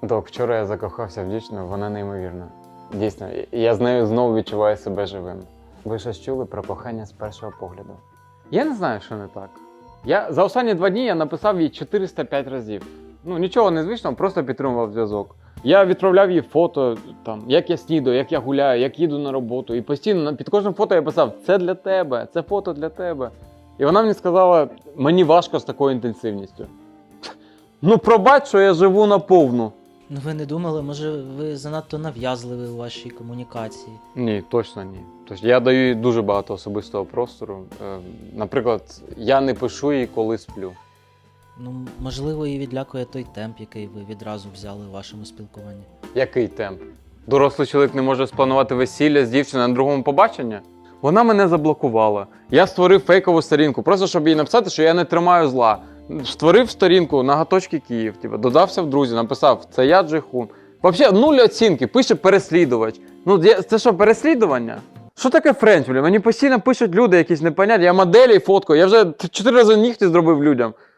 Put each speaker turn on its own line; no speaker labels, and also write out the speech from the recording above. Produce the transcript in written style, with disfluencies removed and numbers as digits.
Док, вчора я закохався в дівчину, вона неймовірна. Дійсно, я з нею знову відчуваю себе живим. Ви щось чули про кохання з першого погляду? Я не знаю, що не так. За останні 2 дні я написав їй 405 разів. Ну, нічого незвичного, просто підтримував зв'язок. Я відправляв їй фото, там, як я снідаю, як я гуляю, як їду на роботу. І постійно під кожним фото я писав: це для тебе, це фото для тебе. І вона мені сказала: мені важко з такою інтенсивністю. Ну, пробач, що я живу наповну.
Ну ви не думали, може ви занадто нав'язливі у вашій комунікації?
Ні, точно ні. Тож я даю їй дуже багато особистого простору. Наприклад, я не пишу їй, коли сплю.
Ну, можливо, її відлякує той темп, який ви відразу взяли у вашому спілкуванні.
Який темп? Дорослий чоловік не може спланувати весілля з дівчиною на другому побаченні? Вона мене заблокувала. Я створив фейкову сторінку, просто щоб їй написати, що я не тримаю зла. Створив сторінку «Наготочки Київ», додався в друзі, написав: це я Джейхун. Взагалі 0 оцінки, пише переслідувач. Ну це що, переслідування? Що таке френч? Мені постійно пишуть люди якісь непонятні, я моделі фоткаю, я вже 4 рази нігті зробив людям.